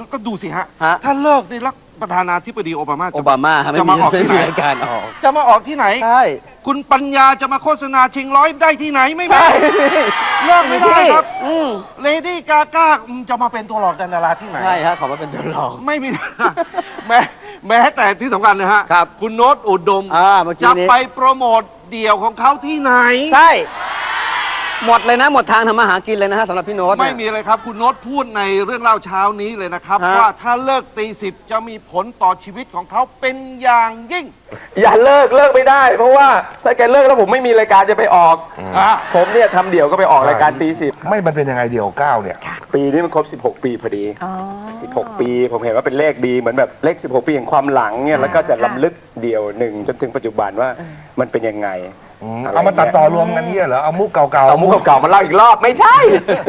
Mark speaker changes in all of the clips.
Speaker 1: ก็ดูสิฮะ ถ้าเลิกในรักประธานาธิบดีโอบามาจะมาออกที่ไหน
Speaker 2: การออก
Speaker 1: จะมาออกที่ไหน
Speaker 2: ใช่
Speaker 1: คุณปัญญาจะมาโฆษณาชิงร้อยได้ที่ไหนไม่มีเลิกไม่ได้ครับเลดี้กาก้าจะมาเป็นตัวหลอกดาราที่ไหน
Speaker 2: ใช่ฮะขอมาเป็นตัวหลอก
Speaker 1: ไม่มีแม้แต่ที่สำคัญนะฮะคุณโน้ตอุดมจะไปโปรโมทเดี่ยวของเขาที่ไหน
Speaker 2: ใช่หมดเลยนะหมดทางทำมาหากินเลยนะฮะสำหรับพี่โน้ต
Speaker 1: ไม่มีเลยครับคุณโน้ตพูดในเรื่องเล่าเช้านี้เลยนะครับว่าถ้าเลิกตี 10จะมีผลต่อชีวิตของเขาเป็นอย่างยิ่ง
Speaker 3: อย่าเลิกไม่ได้เพราะว่าถ้าแกเลิกแล้วผมไม่มีรายการจะไปออกผมเนี่ยทำเดี่ยวก็ไปออกรายการตี 10
Speaker 4: ไม่มันเป็นยังไงเดี่ยว9เนี่ย
Speaker 3: ปีนี้มันครบ16 ปีพอดี16 ปีผมเห็นว่าเป็นเลขดีเหมือนแบบเลข16 ปีแห่งความหลังเนี่ยแล้วก็จะล้ำลึกเดี่ยวหนึ่งจนถึงปัจจุบันว่ามันเป็นยังไง
Speaker 4: เอามาตัดต่อรวมกันเงี้ยเหรอเอามุกเก่าๆ
Speaker 3: เอามุกเก่าๆมาเล่าอีกรอบไม่ใช่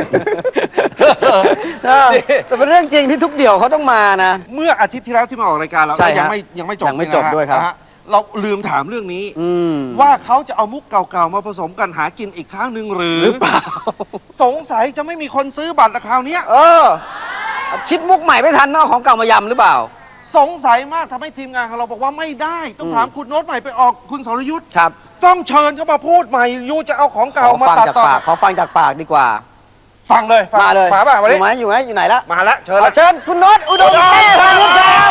Speaker 2: แต่เป็นเรื่องจริงที่ทุกเดี่ยวเขาต้องมานะ
Speaker 1: เมื่ออาทิตย์ที่แล้วที่มาออกรายการเรายังไม่จบ
Speaker 2: ด้วยครับ
Speaker 1: เราลืมถามเรื่องนี้ว่าเขาจะเอามุกเก่าๆมาผสมกันหากินอีกครั้งหนึ่งหรือ
Speaker 2: เปล่า
Speaker 1: สงสัยจะไม่มีคนซื้อบัตรคราวนี้
Speaker 2: คิดมุกใหม่ไม่ทันนอกของเก่ามายำหรือเปล่า
Speaker 1: สงสัยมากทำให้ทีมงานของเราบอกว่าไม่ได้ต้องถามคุณโน้ตใหม่ไปออกคุณสรยุทธ์
Speaker 2: ครับ
Speaker 1: ต้องเชิญเขามาพูดใหม่ยูจะเอาของเก่ามาตัดต่อ
Speaker 2: ขอฟังจากปากดีกว่า
Speaker 1: ฟังเลย
Speaker 2: มาเลย
Speaker 1: มาป่ะมาดิ
Speaker 2: อยู่ไหนละ
Speaker 1: มาแล้วเชิญ
Speaker 2: คุณโน้ตอุดมเทพานิชครับ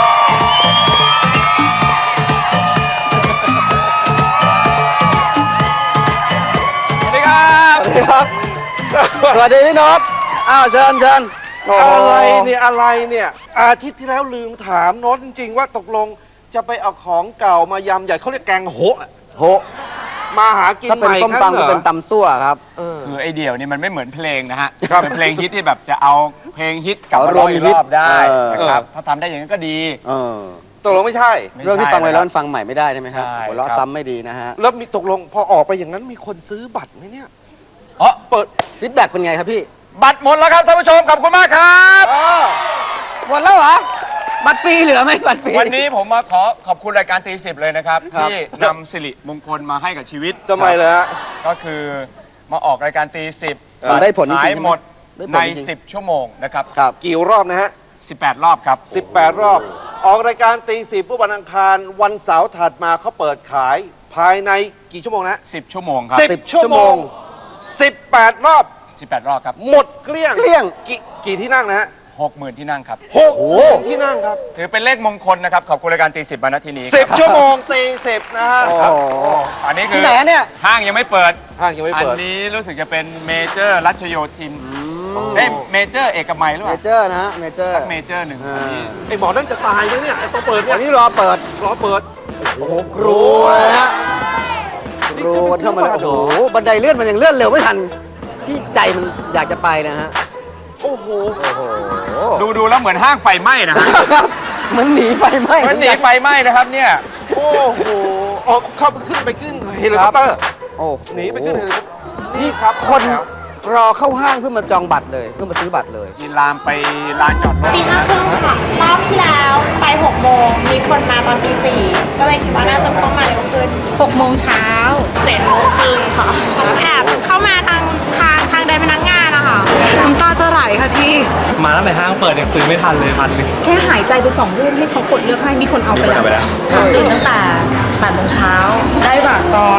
Speaker 1: สวัสดีครับ
Speaker 2: สวัสดีพี่โน้ตเชิญ
Speaker 1: อะไรเนี่ยอาทิตย์ที่แล้วลืมถามโน้ตจริงๆว่าตกลงจะไปเอาของเก่ามายำใหญ่เขาเรียกแกงโหมาหากินใหม่
Speaker 2: ครับเหรอเป็นตำซั่วครับ
Speaker 5: คือไอเดี่ยวนี่มันไม่เหมือนเพลงนะฮะเป็นเพลงฮิตที่แบบจะเอาเพลงฮิตกลับมาร้องอีกรอบได้นะครับถ้าทำได้อย่างนั้นก็ดี
Speaker 1: ตกลงไม่ใช่
Speaker 2: เรื่องที่ฟังไว้แล้วฟังใหม่ไม่ได้ใช่ไหมครับหัวเราะซ้ำไม่ดีนะฮะ
Speaker 1: แล้วมีตกลงพอออกไปอย่างนั้นมีคนซื้อบัตรไหมเนี่ย
Speaker 2: เปิดฟีดแบ็กเป็นไงครับพี่
Speaker 5: บัตรหมดแล้วครับท่านผู้ชมขอบคุณมากครับ
Speaker 2: หมดแล้วเหรอบัตรฟรีเหลือไหมบัตรฟรี
Speaker 5: วันนี้ผมมาขอบคุณรายการตี 10เลยนะครับที่นำสิริมงคลมาให้กับชีวิต
Speaker 1: ทำไมเลยฮะ
Speaker 5: ก็คือมาออกรายการตี 10
Speaker 2: มันได้ผลจริง
Speaker 5: หมดใน10ชั่วโมงนะครับ
Speaker 1: กี่รอบนะฮะ
Speaker 5: 18 รอบครับ
Speaker 1: 18 รอบออกรายการตี 10วันอังคารวันเสาร์ถัดมาเขาเปิดขายภายในกี่ชั่วโมงนะ
Speaker 5: 10 ชั่วโมงครับ
Speaker 1: 10 ชั่วโมง18 รอบ
Speaker 5: 18 รอบครับ
Speaker 1: หมดเกลี้ยงกี่ที่นั่งนะฮะ
Speaker 5: 60,000 ที่นั่งครับ
Speaker 1: 60,000 ที่นั่งครับ
Speaker 5: ถือเป็นเลขมงคลนะครับขอบคุณรายการตี 10มาณที่นี้
Speaker 1: 10 ชั่วโมงตี 10นะฮะ
Speaker 5: อันนี้คือ
Speaker 2: ที่ไหนเนี่ย
Speaker 5: ห้างยังไม่เปิด
Speaker 1: อัน
Speaker 5: นี้รู้สึกจะเป็นเมเจอร์รัชโยธินเมเจอร์เอกมัยหรือเปล่า
Speaker 2: เมเจอร์นะฮะเมเจอร์
Speaker 5: สักเมเจอร์หนึ่งอันนี้
Speaker 1: ไอ้หมอนั่นจะตายแล้วเนี่ยไอ้ตัวเปิดเนี่ย
Speaker 2: อันนี้รอเปิดโอ้โหครูนะฮะครูเข้ามาโอ้โหบันไดเลื่อนมันยังเลื่อนเร็วไม่ทันที่ใจมันอยากจะไปนะฮะ
Speaker 1: โอ้โห
Speaker 5: ดูแล้วเหมือนห้างไฟไหม้นะฮะ
Speaker 2: เหมือนหนีไฟไหม้
Speaker 5: นะครับเนี่ย
Speaker 1: โอ้โหออกเข้าขึ้นเฮลิคอปเตอร์หนีไปขึ้นเฮลิคอปเตอร์
Speaker 2: นี่ครับคนรอเข้าห้างเพื่อมาจองบัตรเลยเพื่อมาซื้อบัตรเลย
Speaker 5: กินลามไปลานจอดรถ
Speaker 6: ตี 5:30 ค่ะรอบที่แล้วไป6 โมงมีคนมาตอนตี 4ก็เลยคิดว่าน่าจะต้องมาเร็วขึ้น6 โมงเช้า7 โมงครึ่งค่ะแอบเข้ามาทางเดินพนักงานนะคะน้ำตาจะไหลค่ะพี่
Speaker 5: มาตั้งแต่ห้างเปิดเนี่ยซื้อไม่ทันเลย
Speaker 6: แค่หายใจไป2 ลูกให้เขากดเลือกให้มีคนเอาไปแล้วตื่นตั้งแต่8 โมงเช้าได้บัตรตอน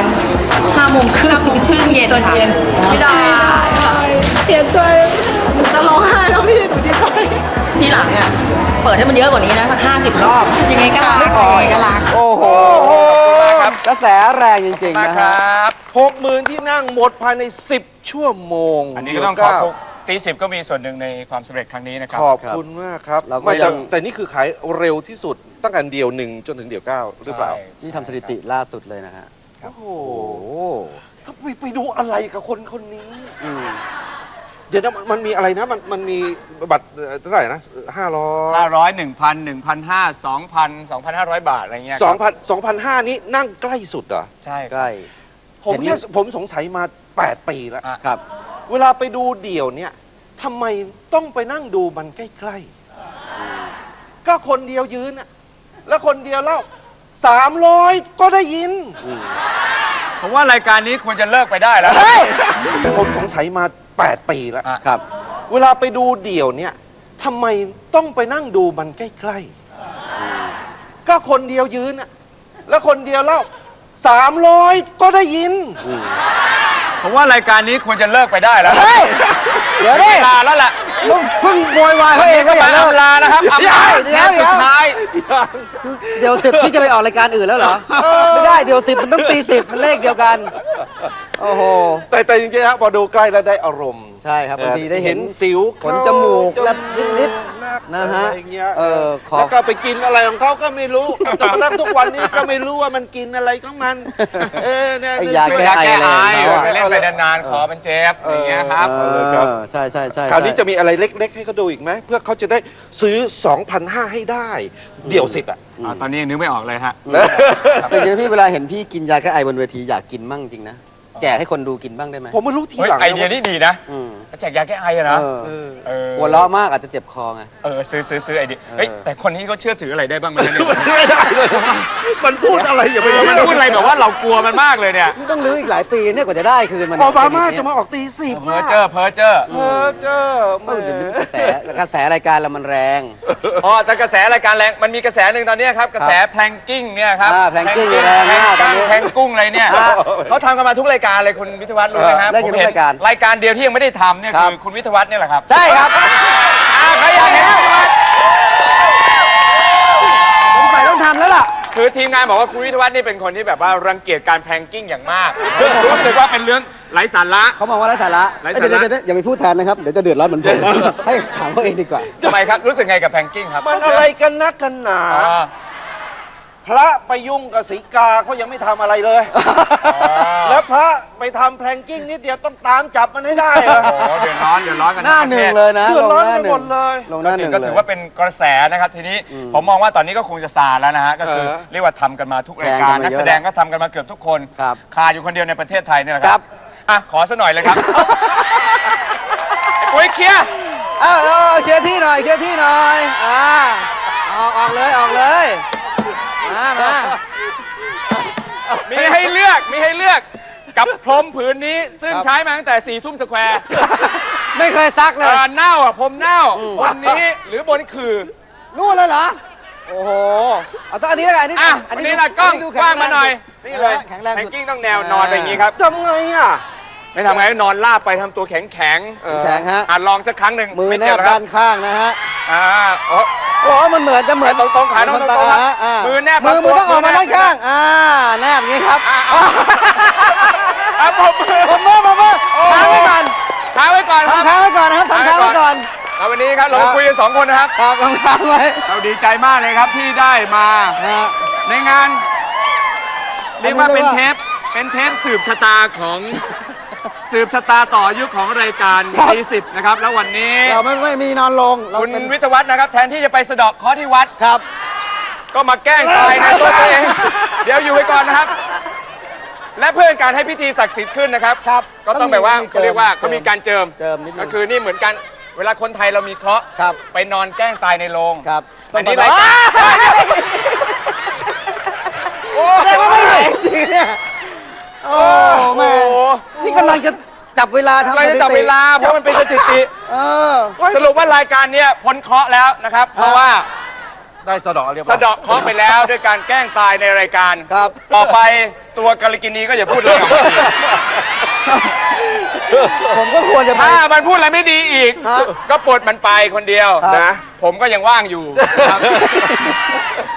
Speaker 6: 5 โมงครึ่งเย็นไม่ได้เสียใจจะร้องไห้แล้วพี่หนูดีใจทีหลังเนี่ยเปิดให้มันเยอะกว่านี้นะสัก50 รอบยังไงก็รักก็รัก
Speaker 2: โอ้โหกระแสแรงจริงๆ
Speaker 1: นะครับ60,000 ที่นั่งหมดภายใน10 ชั่วโมง
Speaker 5: อันนี้ก็ต้องขอบตี 10ก็มีส่วนหนึ่งในความสำเร็จครั้งนี้นะครับ
Speaker 1: ขอบคุณมากครับแต่นี่คือขายเร็วที่สุดตั้งแต่เดี่ยว1จนถึงเดี่ยว9หรือเปล่า
Speaker 2: ที่ทำสถิติล่าสุดเลยนะฮะ
Speaker 1: โอ้โหถ้าไปดูอะไรกับคนนี้เดี๋ยวนะมันมีอะไรนะมันมีบัตรเท่าไหร่นะ
Speaker 5: 500 1,000 1,500 2,000 2,500 บาทอะไรเงี้ย
Speaker 1: 2,500นี่นั่งใกล้สุดเหรอ
Speaker 5: ใช่
Speaker 2: ใกล้
Speaker 1: ผมสงสัยมา8 ปีแล้ว
Speaker 2: ครับ
Speaker 1: เวลาไปดูเดี่ยวเนี่ยทำไมต้องไปนั่งดูมันใกล้ๆก็คนเดียวยืนอะแล้วคนเดียวเล่า300ก็ได้ยิน
Speaker 5: ผมว่ารายการนี้ควรจะเลิกไปได้แล้ว
Speaker 1: ผมสงสัยมา8 ปีแล้ว
Speaker 2: ครับ
Speaker 1: เวลาไปดูเดี่ยวเนี่ยททำไมต้องไปนั่งดูมันใกล้ๆก็คนเดียวยืนอะแล้วคนเดียวเล่า300ก็ได้ยิน
Speaker 5: ผมว่ารายการนี้ควรจะเลิกไปได้แล้ว
Speaker 2: เฮ้ย เดี๋ยวดิ
Speaker 5: เวลาแล้วแหละ
Speaker 2: มึงเพิ่งโวยวายเขาเอง
Speaker 5: ก็
Speaker 2: ว่าอย่า
Speaker 5: มา
Speaker 2: เลิก
Speaker 5: อำลานะครับอำลา
Speaker 2: เดี๋ยว
Speaker 5: สุดท้าย
Speaker 2: เดี๋ยว10ที่จะไปออกรายการอื่นแล้วเหรอ ไม่ได้เดี๋ยว10มันต้องตี10มันเลขเดียวกัน โอ้โห
Speaker 1: แต่จริงๆนะพอดูใกล้แล้วได้อารมณ์
Speaker 2: ใช่ครับบางทีได้เห็น
Speaker 1: สิว
Speaker 2: ขนจมูกแลบนิด
Speaker 1: ๆ
Speaker 2: นะฮะ
Speaker 1: อะไรเงี้ย
Speaker 2: ขอ
Speaker 1: แล้วก็ไปกินอะไรของเขาก็ไม่รู้จนกระทั่งทุกวันนี้ก็ไม่รู้ว่ามันกินอะไรของมันเนี่ย
Speaker 2: ไอ้ยา
Speaker 5: เป็น
Speaker 2: แก้
Speaker 5: ยา
Speaker 2: ไอ
Speaker 5: แก้
Speaker 2: อะไร
Speaker 5: ไอ
Speaker 2: ของเขาอะ
Speaker 5: ไปเล่นไปนานๆขอเป็นเจ็บอย่างเงี้ยครับ
Speaker 2: ใช่ใช่ใช่
Speaker 1: คราวนี้จะมีอะไรเล็ก ๆ ให้เขาดูอีกไหมเพื่อเขาจะได้ซื้อ 2,500 ให้ได้ เดี่ยว10อ่ะ
Speaker 5: ตอนนี้ยังนึกไม่ออกเลยฮะ
Speaker 2: แต่จริงๆพี่เวลาเห็นพี่กินยาแก้ไอบนเวทีอยากกินมั่งจริงนะ แจกให้คนดูกินบ้างได้ไหม
Speaker 1: ผมไม่รู้ที
Speaker 5: เฮ้ย
Speaker 1: หลัง
Speaker 5: ไอเดียนี่ดีนะ
Speaker 2: อืม
Speaker 5: แจกยาแก้ไออะนะ
Speaker 2: เออ
Speaker 5: เออ
Speaker 2: หัวเราะมากอาจจะเจ็บคอไง
Speaker 5: ซื้อไอเดียเฮ้ยแต่คนนี้เขาเชื่อถืออะไรได้บ้างไหมเนี่ย
Speaker 1: ไม่ได้เลยมันพูดอะไรอย่าไป
Speaker 5: มันพูดอะไรแบบว่าเรากลัวมันมากเลยเนี่ย
Speaker 2: นี่ต้องลื้ออีกหลายปีเนี่ยกว่าจะได้คืนมัน
Speaker 1: โอบามาจะมาออกตีสิบ
Speaker 5: เพอเจอร์
Speaker 1: เพอเจอ
Speaker 2: เออเดี๋ยวนี้กระแสรายการเรามันแรง
Speaker 5: อ๋อแต่กระแสรายการแรงมันมีกระแสหนึ่งตอนเนี้ยครับกระแสแพลงกิ้งเนี่ยครับ
Speaker 2: แพลงกิ้งแรงมากตอนนี้
Speaker 5: แพลงกุ้งอะไรเนี่ยเขาทำกันมาทุกรายการเลยคุณวิทยวัฒน์รู้ไหมครับ
Speaker 2: เล่นกันทุกรายการ
Speaker 5: รายการเดียวที่ยังไม่ได้ทำเนี่ย
Speaker 2: ครั
Speaker 5: คื
Speaker 2: บ
Speaker 5: อคุณวิทยวัฒน์เนี่ยแหละครับ
Speaker 2: ใช่ครับ
Speaker 5: ใครอยากเห็นวิทยวัฒน์
Speaker 2: สงสัยต้องทำแล้วล่ะ
Speaker 5: คือทีมงานบอกว่าคุณวิทยวัฒน์นี่เป็นคนที่แบบว่ารังเกียจการแพลงกิ้งอย่างมากผมรู้สึกว่าเป็นเรื่องไร้สาระ
Speaker 2: เขามองว่าไร้สาระ
Speaker 5: ไร้สาระ
Speaker 2: เดี๋ยวอย่าไปพูดแทนนะครับ เดี๋ยวจะเดือดร้อนเหมือนผมให้ถามเขาเองดีกว่า
Speaker 5: ทำไมครับรู้สึกไงกับแพลงกิ้งครับ
Speaker 1: มันอะไรกันนักกันหนา
Speaker 5: อ๋อ
Speaker 1: พระไปยุ่งกับสีกาเขายังไม่ทำอะไรเลย แล้วพระไปทำแพลงกิ้งนิดเดียวต้องตามจับมันให้ได้เหรอ
Speaker 5: โอ้โหเดือดร้อนกัน
Speaker 2: หน้าหนึ่งเลยนะ
Speaker 1: เดือดร้อนไปหมดเลย
Speaker 2: ลงหน้าหนึ่ง
Speaker 5: ก็
Speaker 2: เล
Speaker 5: ถื
Speaker 2: ย
Speaker 5: อว่าเป็นกระแสนะครับทีนี้ผมมองว่าตอนนี้ก็คงจะซาแล้วนะฮะก็คือเรียกว่าทำกันมาทุกรายการ
Speaker 2: แรงกันมาเยอะ
Speaker 5: นักแสดงก็ทำกันมาเกือบทุกคน
Speaker 2: ครับ
Speaker 5: ขาดอยู่คนเดียวในประเทศไทยเนี่ยแหละค
Speaker 2: ครั
Speaker 5: รับบ อ่ะขอซะหน่อยเลยครับไอ้ปุ้ยเคลียร์
Speaker 2: เคลียร์ที่หน่อยเคลียร์ที่หน่อยออกเลยมา
Speaker 5: มีให้เลือกกับพรมผืนนี้ซึ่งใช้มาตั้งแต่4 ทุ่มสแควร์
Speaker 2: ไม่เคยซักเลย
Speaker 5: เน่าอ่ะผมเน่าบนนี้หรือบนคือ
Speaker 2: รู้เลยเหรอ โอ้โห เอาต้องอันนี้แล้วกัน
Speaker 5: อ่ะวันนี้นะกล้องกว้างมาหน่อยนี่เลย
Speaker 2: แข็งแรง
Speaker 5: แพ
Speaker 2: สุ
Speaker 5: ง
Speaker 2: ด
Speaker 5: กิ้งต้องแนวนอนไปอย่างนี้ครับ
Speaker 1: ทำไงอ่ะ
Speaker 5: ไม่ทำไงก็นอนราบไปทำตัวแข็ง
Speaker 2: แข็งฮะ
Speaker 5: ลองสักครั้งหนึ่ง
Speaker 2: มือ
Speaker 5: ไม่
Speaker 2: แน
Speaker 5: เจ็
Speaker 2: บ
Speaker 5: หรอกค
Speaker 2: ด้า
Speaker 5: รับ
Speaker 2: นข้างนะฮะ
Speaker 5: โอ้
Speaker 2: โอ้มันเหมือนจะเหมือน
Speaker 5: ตรงๆขาตรงๆครับ มือแนบ
Speaker 2: มือต้องออกมาด้านข้าง แนบอย่างนี้ครับ
Speaker 5: ผมมือ
Speaker 2: ผมมือค้างไว้ก่อน
Speaker 5: ค้างไว้ก่อนครับ
Speaker 2: ทำค้างไว้ก่อนนะครับทำค้างไว้ก่อน
Speaker 5: แล้ววันนี้ครับเราคุยกัน2 คนนะครับ
Speaker 2: ครับทำค้างไว้
Speaker 5: เราดีใจมากเลยครับที่ได้มา
Speaker 2: ฮะ
Speaker 5: ในงานเรียกว่าเป็นเทปสืบชะตาของสืบชะตาต่ออายุของรายการที10นะครับแล้ววันนี้
Speaker 2: เราไม่มีนอนลงเรา
Speaker 5: คุณ
Speaker 2: เป็น
Speaker 5: วิทยวัฒน์นะครับแทนที่จะไปสะเดาะเคราะห์ที่วัด
Speaker 2: ครับ
Speaker 5: ก็มาแกล้งตายในตัวเอง เดี๋ยวอยู่ไว้ก่อนนะครับ และเพื่อการให้พิธีศักดิ์สิทธิ์ขึ้นนะครับ
Speaker 2: ครับ
Speaker 5: ก็ต้องแบบว่าเขาเรียกว่าเขามีการเจิม
Speaker 2: เจิมนิดนึง
Speaker 5: ก็คือนี่เหมือนกันเวลาคนไทยเรามีเคราะห์
Speaker 2: ครับ
Speaker 5: ไปนอนแกล้งตายในโรง
Speaker 2: ครับ
Speaker 5: อันนี้
Speaker 2: ราร
Speaker 5: าย ย
Speaker 2: กา
Speaker 5: การ
Speaker 2: ร
Speaker 5: โอ้
Speaker 2: แสดงว่าไม่เห็นจริงเนี่ยโอ้แม่
Speaker 5: โห
Speaker 2: นี่กำลังจะจับเวลาทำ
Speaker 5: เราจะจับเวลาเพราะมันเป็นสถิติ
Speaker 2: เออ
Speaker 5: สรุปว่ารายการเนี้ยพ้นเคราะห์แล้วนะครับ เพราะว่า
Speaker 1: ได้สะเดาะเรียบร้อย
Speaker 5: สะเดาะเคราะห์ไปแล้วด้วยการแกล้งตายในรายการ
Speaker 2: ครับ
Speaker 5: ต่อไปตัวกาลิกินีก็อย่าพูดเลยกับมันอีก
Speaker 2: ผมก็ควรจะไป
Speaker 5: ถ้ามันพูดอะไรไม่ดีอีก
Speaker 2: ฮะ
Speaker 5: ก็ปลดมันไปคนเดียว
Speaker 2: ครับ
Speaker 5: นะ ผมก็ยังว่างอยู่ครับ